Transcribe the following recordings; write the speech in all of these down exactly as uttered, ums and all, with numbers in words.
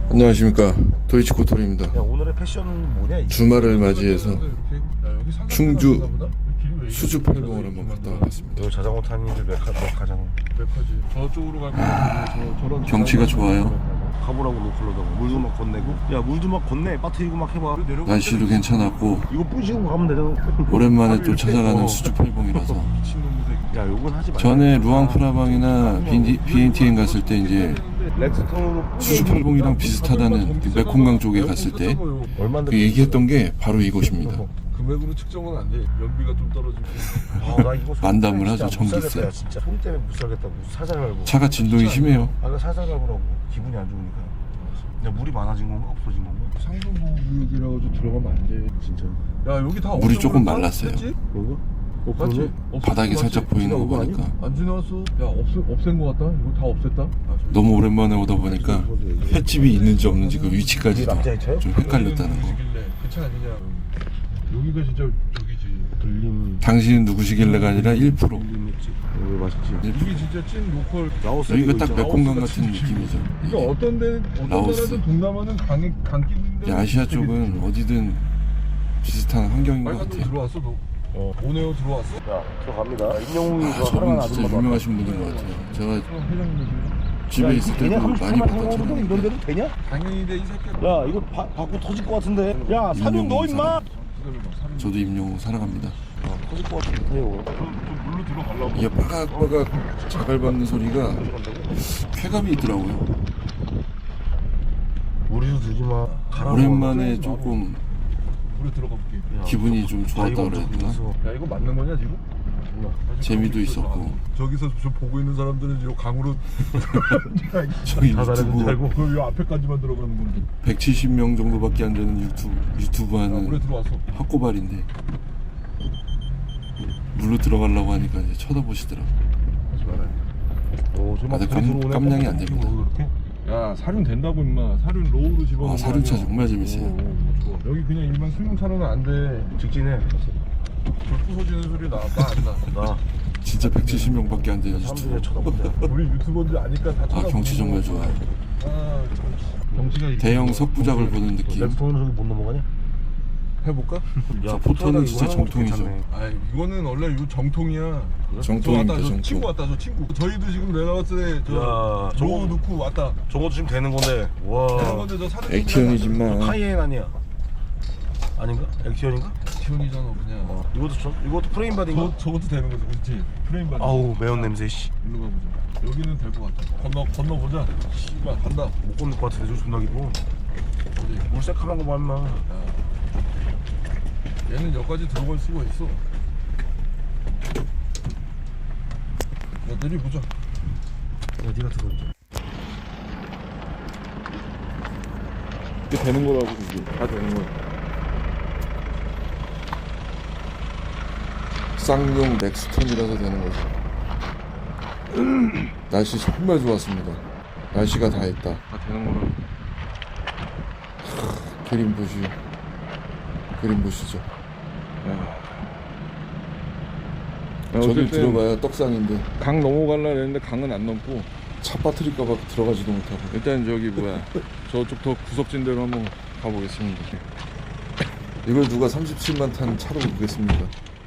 안녕하십니까, 도이치코토리입니다. 야, 오늘의 패션은 뭐냐? 이게? 주말을 맞이해서 충주 수주팔봉을 한번 갔다 와봤습니다. 너 자전거 타는 이들 몇, 가, 몇 가잖아. 백화지 저쪽으로 갈 거야. 저 저런 경치가 좋아요. 가보라고 노클로다고 물도 막 건네고. 야, 물도 막 건네. 빠트리고 막 해봐. 날씨도 괜찮았고 이거 뿌시고 가면 되잖아. 오랜만에 또 찾아가는 어. 수주팔봉이라서. 야, 요건 하지 마. 전에 루앙프라방이나 비엔티엔 갔을 때 이제 렉스톤으로 수주팔봉이랑 비슷하다는 그 메콩강 쪽에 갔을 때 그 얼마인데? 얘기했던 게 바로 이곳입니다. 금액으로 측정은 안 돼. 연비가 좀 떨어지고. 아, 나 이거 만담을 하죠, 진짜 못 전기세. 살겠다, 야, 진짜 소리 때문에 못 살겠다고. 살살 갈고. 차가 진동이 심해요. 아, 이거 살살 갈고라고. 기분이 안 좋으니까. 야, 물이 많아진 건가? 없어진 건가? 상수보구역이라고 좀 들어가면 안 돼. 진짜. 야, 여기 다 물이 조금 없어졌나? 말랐어요. 했지? 뭔가? 어, 맞지? 그러네? 없어진 바닥이 거 살짝 맞지? 보이는 거 지나간 거 보니까 안 지나왔어. 야, 없 없앤 거 같다. 이거 다 없앴다. 아, 저기. 너무 오랜만에 오다 보니까 횟집이 있는지 없는지 그 위치까지도 남자의 차요? 좀 헷갈렸다는 거. 누구시길래 괜찮 아니냐. 여기가 진짜 저기지. 들림. 당신은 누구시길래가 아니라 일 퍼센트. 들림했지. 여기 맛있지. 이게 진짜 찐 로컬. 라오스 여기가 이거 딱 있잖아. 메콩강 라오스가 같은 진짜 느낌이죠. 이게 어떤 데 어떤 라오스. 나라든 동남아는 강에 강기인데. 아시아 쪽은 어디든 비슷한 환경인 것 빨간 돈 같아요. 들어왔어 너. 어. 오네오 들어왔어? 야, 들어갑니다. 임영웅이 아, 저 사랑하는 저분 진짜 아줌마도 유명하신 분인 것 같아요. 제가 회장님이지. 집에 있을 때도 많이 봤던 이런 사람인데 데도 되냐? 당연히 돼 이 새끼. 야, 이거 바, 받고 터질 것 같은데. 야, 사륜 넣어 임마. 저도 임영웅 사랑합니다. 아, 터질 것 같은데요. 좀 물로 들어가려고. 이게 빠각빠각 자갈 밟는 소리가 쾌감이 있더라고요. 우리도 들지 마. 가라고. 오랜만에 조금 물에 들어가 볼게. 야, 기분이 좀 좋았다 다이거 그래야 되나? 저기서. 야 이거 맞는 거냐 지금? 몰라. 재미도 있었고. 저기서 저 보고 있는 사람들은 이 강으로 저희 다 다른 줄 유튜브 알고. 그럼 이 앞에까지만 들어가는 건데. 백칠십 명 정도밖에 안 되는 유튜브 유튜브 야, 물에 하는 들어왔어. 학고발인데 물로 들어가려고 하니까 이제 쳐다보시더라고. 하지 말아야 돼. 오, 저막 아직 깜- 깜냥이 안 됩니다. 야 사륜 된다고 임마. 사륜 로우로 집어넣어. 아, 사륜차 정말 재밌어요. 좋아. 여기 그냥 일반 승용차로는 안 돼. 직진해. 불 부서지는 소리 나. 나 안 나. 나 진짜 백칠십 명밖에 안 되는 사람들이 유튜브. 쳐다본다. 우리 유튜버인지 아니까 다 아, 쳐다보고. 경치 정말 좋아요. 아, 경- 경치가 이렇게 대형 좋아. 석부작을 보는 느낌. 렉스톤은 저기 못 넘어가냐? 해볼까? 저 포토는 진짜 정통이죠. 아 이거는 원래 이 정통이야. 저 정통입니다, 왔다 저 정통. 친구 왔다 저 친구. 저희도 지금 내가 봤을 야, 때저 로우 저거- 넣고 왔다. 저것도 지금 되는 건데. 와. 되는 건데 저 사진 액티언이지만 카이엔 아니야? 아닌가? 액티언인가? 액티언이잖아 그냥. 어. 이것도 저, 이것도 프레임 바디인가? 저 저것도 되는 거지, 그렇지? 프레임 받. 아우 매운 냄새 씨. 일로 가보자. 여기는 될 것 같다. 건너 건너 보자. 씨발 간다. 못 건널 것 같은데 저 존나 기고. 어디? 물 새카만 거 봐 임마. 얘는 여기까지 들어갈 수가 있어. 야 내려보자. 야 니가 들어. 이게 되는 거라고. 이게 다 되는 거야. 쌍용 넥스턴이라서 되는 거죠. 날씨 정말 좋았습니다. 날씨가 다 했다. 다 되는 거라고. 그린부시 그린부시죠. 저길 들어가야 떡상인데 강 넘어갈라 했는데 강은 안 넘고 차 빠뜨릴까봐 들어가지도 못하고. 일단 저기 뭐야 저쪽 더 구석진 데로 한번 가보겠습니다. 이걸 누가 삼십칠만 탄 차로 보겠습니까?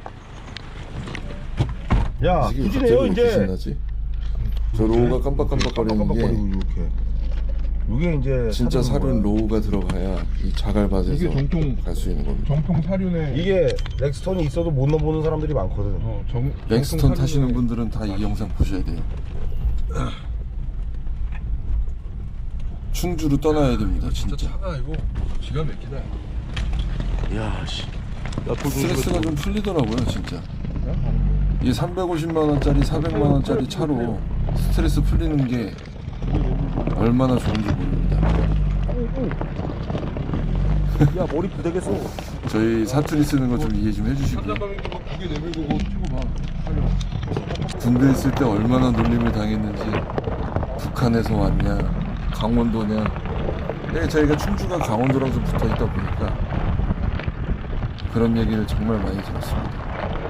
야 이게 후진해요 갑자기 왜 이렇게 이제. 신나지? 저 로우가 깜빡깜빡거리는 게 이렇게. 이게 이제 진짜 사륜 로우가 들어가야 이 자갈밭에서 이게 정통 갈 수 있는 겁니다. 정통 사륜에 이게 렉스턴이 있어도 못 넘보는 사람들이 많거든. 어, 정, 렉스턴 정통 타시는 사륜에 분들은 다 이 영상 보셔야 돼요. 충주로 떠나야 됩니다. 진짜 진짜 차가 이거 기가 막히다. 야 씨. 야 돌 스트레스가 좀 풀리더라고요. 진짜 이 삼백오십만 원짜리 사백만 원짜리 차로 스트레스 풀리는 게 얼마나 좋은지 모릅니다. 야 머리 부대겠어. 저희 사투리 쓰는 거 좀 이해 좀 해주시고요. 한잔방에도 막 두개 내밀고 그거 치고 봐. 군대 있을 때 얼마나 놀림을 당했는지. 북한에서 왔냐, 강원도냐. 근데 저희가 충주가 강원도랑 좀 붙어 있다 보니까 그런 얘기를 정말 많이 들었습니다.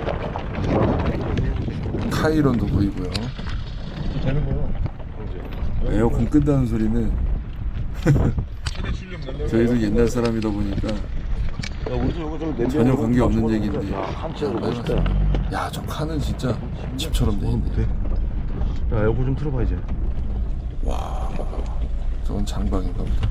카이론도 보이고요. 되는 거요. 에어컨 끈다는 소리는 저희도 옛날 사람이다 보니까 야 우리도 이거 좀 냄새 전혀 관계 없는 맞춰봤는데. 얘기인데. 야 한치가 많이 멋있다. 봤어요. 야, 저 칸은 진짜 집처럼 돼 있네. 야 에어컨 좀 틀어봐 이제. 와, 저건 장박인가 보다.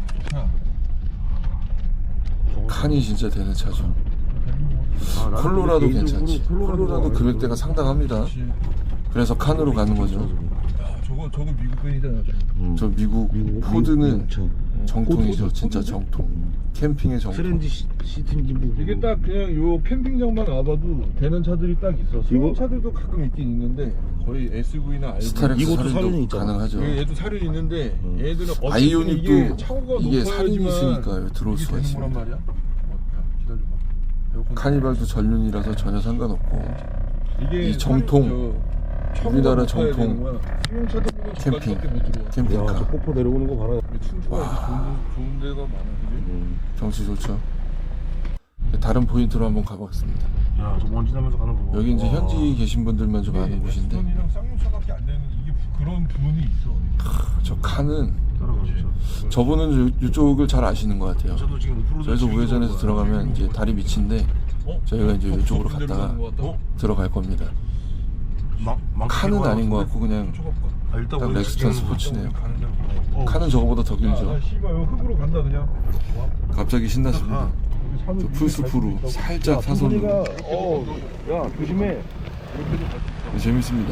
칸이 진짜 되는 차죠. 아, 나는 콜로라도 개인적으로 괜찮지. 콜로라도가 콜로라도 금액대가 상당합니다. 그래서 칸으로 가는 거죠. 야, 저거 저거 미국 밴이잖아. 저거. 음. 저 미국 미국 포드는 미국차. 정통이죠. 포드, 진짜 포드죠? 정통. 캠핑의 정통. 트렌드 시- 시트인지 뭐 이게 딱 그냥 요 캠핑장만 와봐도 되는 차들이 딱 있어. 이거- 이거 차들도 가끔 있긴 있는데 거의 에스유브이나 알비. 스타렉스 이것도 살인도 살인이 있잖아. 가능하죠. 얘- 얘도 살이 있는데 음. 얘들은 어쨌든 아이오닉도 이게 차고가 이게 높아야지만 살인이 있으니까 들어올 이게 수가 되는 있습니다. 거란 말이야. 어, 야, 기다려봐. 에어컨 카니발도 전륜이라서 전혀 상관없고. 이게 이 정통, 살이 저 차고가 우리나라 높아야 정통 되는 거야. 승용차들은 캠핑. 저까지밖에 못 들어와. 캠핑카. 야저 폭포 내려오는 거 봐라. 근데 충주가 이렇게 좋은, 데- 좋은 데가 많아, 그지? 음. 경치 좋죠. 다른 포인트로 한번 가보겠습니다. 야저 먼지 나면서 가는 거 봐. 여기 이제 와. 현지 계신 분들만 좀 아는 곳인데, 엑스턴이랑 쌍용차밖에 안 되는 이게 부- 그런 부분이 있어. 저 칸은 따라가 진짜. 저분은 요- 이쪽을 잘 아시는 것 같아요. 저도 지금 오프로드 저희도 즐기고 우회전에서 있는 거야. 들어가면 이제 다리 밑인데 어? 저희가 이제 이쪽으로 저 갔다가 가는 것 같다. 어? 들어갈 겁니다. 망- 망- 칸은 망- 아닌 것 같고 그냥 쫓아가 볼까? 아, 일단 딱 우리 렉스턴 지금 스포츠네요. 가는 데로 가. 어. 칸은 저거보다 더 아, 길죠. 나 씨발 이거 흙으로 간다 그냥. 와, 갑자기 신났습니다. 아. 우리 산을 저 위에 풀스프로 갈 수 있다고. 살짝 사선으로 어야 조심해. 재밌습니다.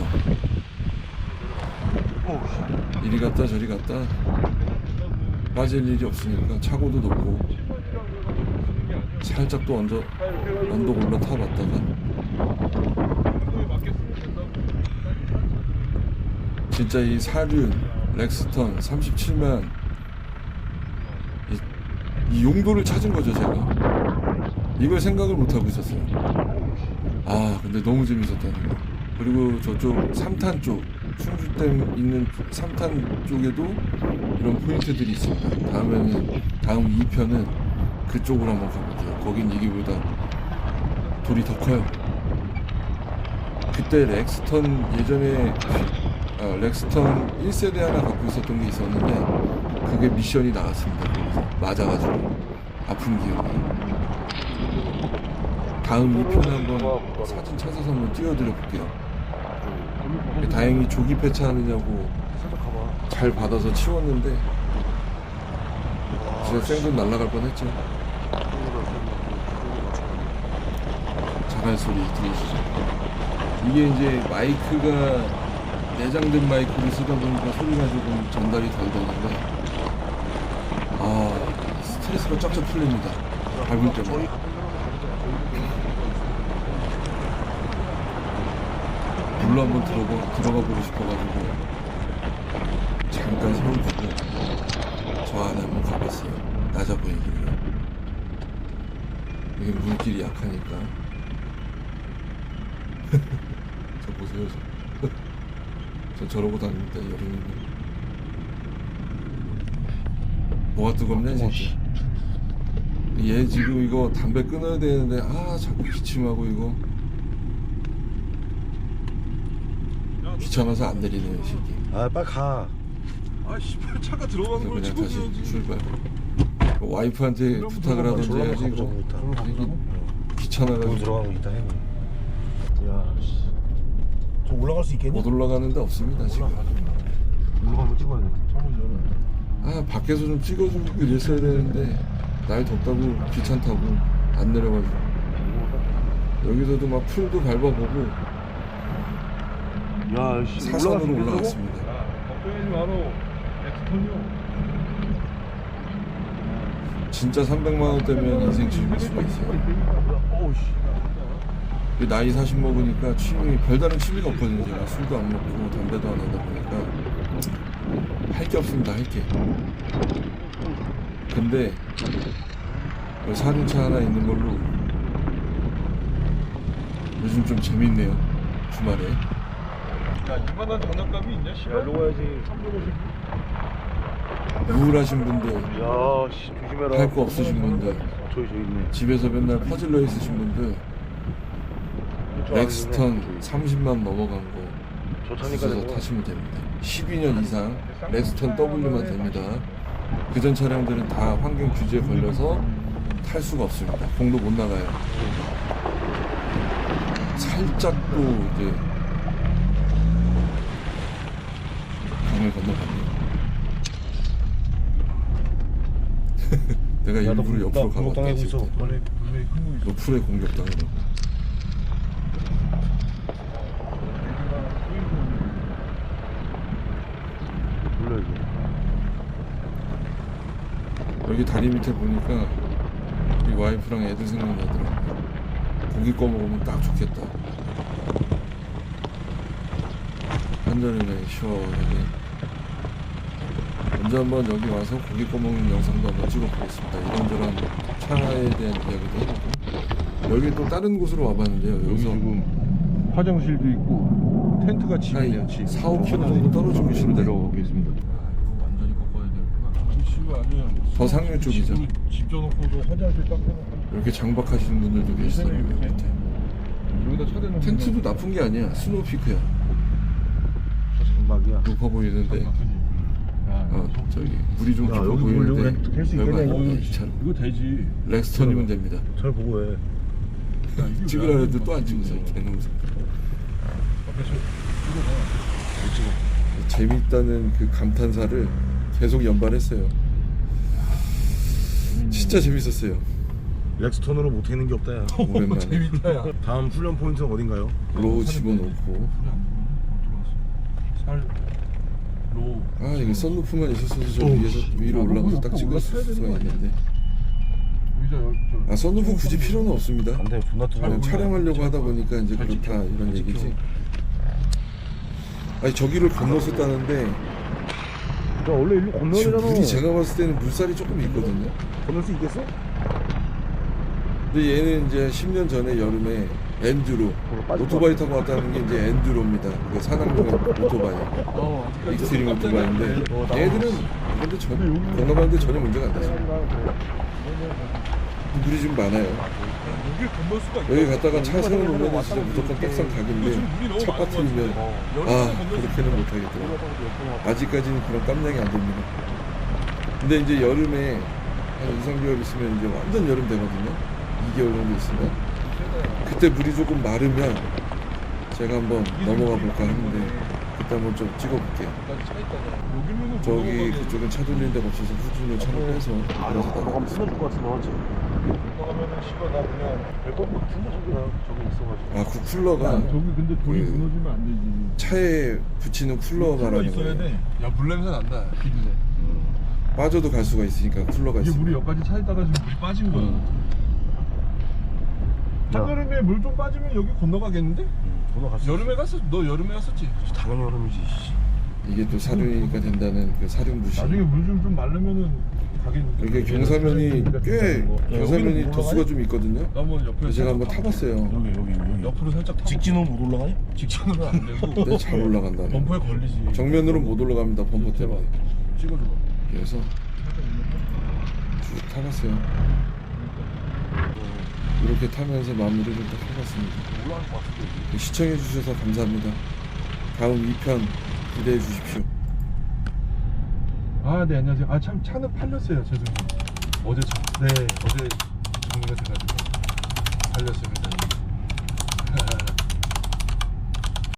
어, 이리 갔다 저리 갔다 빠질 일이 없으니까 차고도 높고 살짝 또 언저 언덕 올라타 봤다가 진짜 이 사륜 렉스턴 삼십칠만 이, 이 용도를 찾은 거죠 제가. 이걸 생각을 못 하고 있었어요. 아 근데 너무 재밌었다는 거. 그리고 저쪽 삼탄 쪽 충주댐 있는 삼탄 쪽에도 이런 포인트들이 있습니다. 다음에는 다음 이 편은 그쪽으로 한번 가볼게요. 거긴 이기보다 돌이 더 커요. 그때 렉스턴 예전에 아, 렉스턴 일 세대 하나 갖고 있었던 게 있었는데 그게 미션이 나왔습니다. 거기서 맞아가지고 아픈 기억이. 다음 이 편에 한번 사진 찾아서 한번 띄워드려 볼게요. 다행히 조기 폐차하느냐고 살짝 가봐. 잘 받아서 치웠는데 진짜 생돈 날라갈 뻔했죠. 자갈 소리 들으시죠? 이게 이제 마이크가 내장된 마이크를 쓰다 보니까 소리가 조금 전달이 덜 되는데 아 스트레스가 쫙쫙 풀립니다. 밟을 때마다. 물로 한번 들어가, 들어가 보고 싶어가지고 잠깐 세워두고 저 안에 한번 가봤어요. 낮아 보이길래. 이게 물길이 약하니까 저 보세요 저. 저 저러고 다닙니다 여름이면. 뭐가 뜨겁냐 진짜. 얘 지금 이거 담배 끊어야 되는데 아 자꾸 기침하고 이거 귀찮아서 안 내리네요 새끼. 아 빨리 가. 아 씨발 차가 들어가는 그래서 걸 그냥 다시 찍어줘야지. 출발. 와이프한테 부탁을 하던지 졸라 해야지 가보자고 이거 있다. 이게 거기 귀찮아가지고 들어가는 거 있다 해. 야 씨. 저 올라갈 수 있겠니? 못 올라가는데 없습니다 지금. 올라가면 찍어야 돼. 창문 열어. 아 밖에서 좀 찍어주고 이랬어야 되는데 날 덥다고 귀찮다고 안 내려가지고 여기서도 막 풀도 밟아보고 야 씨. 사선으로 올라갔습니다. 걱정하지 마라. 엑스턴이요. 진짜 삼백만 원대면 인생 즐길 수가 있어요. 어우 씨. 나이 사십 먹으니까 취미 별다른 취미가 없거든요. 제가 술도 안 먹고 담배도 안 하다 보니까 할 게 없습니다. 할 게. 근데 여기 사륜차 하나 있는 걸로 요즘 좀 재밌네요. 주말에. 야 이만한 장난감이 있냐 씨발. 야 일로 가야지. 우울하신 분들, 야 씨 조심해라. 할 거 없으신 분들, 저기 저기 있네. 집에서 맨날 퍼질러 있으신 분들 렉스턴 삼십만 넘어간 거 저 차니까 있어서 되고. 타시면 됩니다. 십이 년 이상 렉스턴 W만 됩니다. 그전 차량들은 다 환경 규제에 걸려서 탈 수가 없습니다. 공도 못 나가요. 살짝 또 이제 강을 건너갑니다. 내가 일부러 옆으로 가봤다 당하고 싶다. 있어. 원래 분명히 큰 거 있어. 옆으로 공격당하고. 몰라 이거. 여기 다리 밑에 보니까 이 와이프랑 애들 생각나더라고. 고기 꺼 먹으면 딱 좋겠다. 한잔이네 시원하게. 언제 한번 여기 와서 고기 꺼 먹는 영상도 한번 찍어보겠습니다. 이런저런 차에 대한 이야기도 해보고. 여기 또 다른 곳으로 와봤는데요. 여기 여기서 지금 화장실도 있고 텐트가 집이네요. 한 집. 사, 오 킬로미터 정도 떨어지고 계신데 내려가고 계십니다. 완전히 꺾어야 되구나. 집이 아니야. 더 상류 쪽이죠. 집으로 집 져놓고도 화장실 딱 해놓고. 이렇게 장박하시는 분들도 계시더라고요. 이렇게. 밑에. 여기다 차 대놓고. 텐트도 나쁜 게 아니야. 스노우피크야. 장박이야. 높아 보이는데 어 저기 물이 좀 야, 깊어 여기 물 여기 보이는데 깰수 별거 있겠냐, 아닙니다. 이거. 이 차는 이거 되지. 렉스턴이면 됩니다. 잘 보고 해. 찍으라 해도 또 안 찍으세요. 개놈새. 앞에서 재밌다는 그 감탄사를 계속 연발했어요. 진짜 재밌었어요. 렉스턴으로 못하는 게 없다 야. 오랜만에 재밌다야. 다음 훈련 포인트는 어딘가요? 로우 집어넣고 살 로. 아 이거 썬루프만 있었어도 저 위에서 위로 올라가서 딱 찍을 수가 있는데 의자 여기 저. 아 썬루프 굳이 필요는 없습니다. 안돼 존나 뜨거워. 그냥 촬영하려고 하다 보니까 이제 그렇다 이런 얘기지. 아니 저기를 건넜었다는데 야 원래 일로 지금 건너야 물이 되잖아. 제가 봤을 때는 물살이 조금 있거든요. 건널 수 있겠어? 근데 얘는 이제 십 년 전에 여름에 엔듀로 오토바이 타고 왔다는 게 이제 엔듀로입니다. 그 산악용 오토바이, 어, 익스트림 오토바이인데 얘들은 근데 전 건너가는데 전혀 문제가 안 되죠. 물이 좀 많아요. 여기 건널 수가 있어. 여기 갔다가 차 세워놓으면 진짜 무조건 떡상 각인데 차 빠뜨리면 아 그렇게는 못하겠더라고요. 아직까지는 그런 깜냥이 안 됩니다. 근데 이제 여름에 한 이, 삼 개월 있으면 이제 완전 여름 되거든요. 이 개월 정도 있으면 그때 물이 조금 마르면 제가 한번 넘어가 볼까 하는데 그때 한번 좀 찍어볼게요. 저기 그쪽은 차 돌리는 데가 없어서 후진을 차로 빼서 그래서 나가고 있어요. 것 같은데 맞지? 건너가면은 씨발 나 그냥 배꼽 같은데 저기가 저기 있어가지고. 아 그 쿨러가 저기 근데 돌이 그- 무너지면 안 되지. 차에 붙이는 쿨러 쿨러 말하는 있어야 거예요. 돼. 야 물 냄새 난다. 비린내. 빠져도 갈 수가 있으니까 쿨러가 이게 있어요. 물이 여기까지 차 있다가 지금 물이 빠진 거야. 한여름에 물 좀 빠지면 여기 건너가겠는데? 전화 갔어. 여름에 갔어? 너 여름에 갔었지? 당연히 여름이지. 이게 또 사륜이니까 된다는 그 사륜 부시. 나중에 물 좀 좀 마르면은 가겠는데. 이게 경사면이 꽤 경사면이 도수가 좀 있거든요. 나뭐 옆에 제가 한번 타봤어요. 여기 여기 여기. 옆으로 살짝 타고. 직진은 못 올라가냐? 직진으로 안 되고. 근데 잘 올라간다네. 범퍼에 걸리지. 정면으로 못 올라갑니다. 범퍼 때문에. 찍어줘. 그래서 쭉 타봤어요. 이렇게 타면서 마무리를 딱 해봤습니다. 올라갈 것 같은데. 시청해 주셔서 감사합니다. 다음 이 편 기대해 주십시오. 아, 네, 안녕하세요. 아, 참, 차는 팔렸어요, 죄송해요. 어제 차, 네, 어제 정리가 돼가지고 팔렸어요.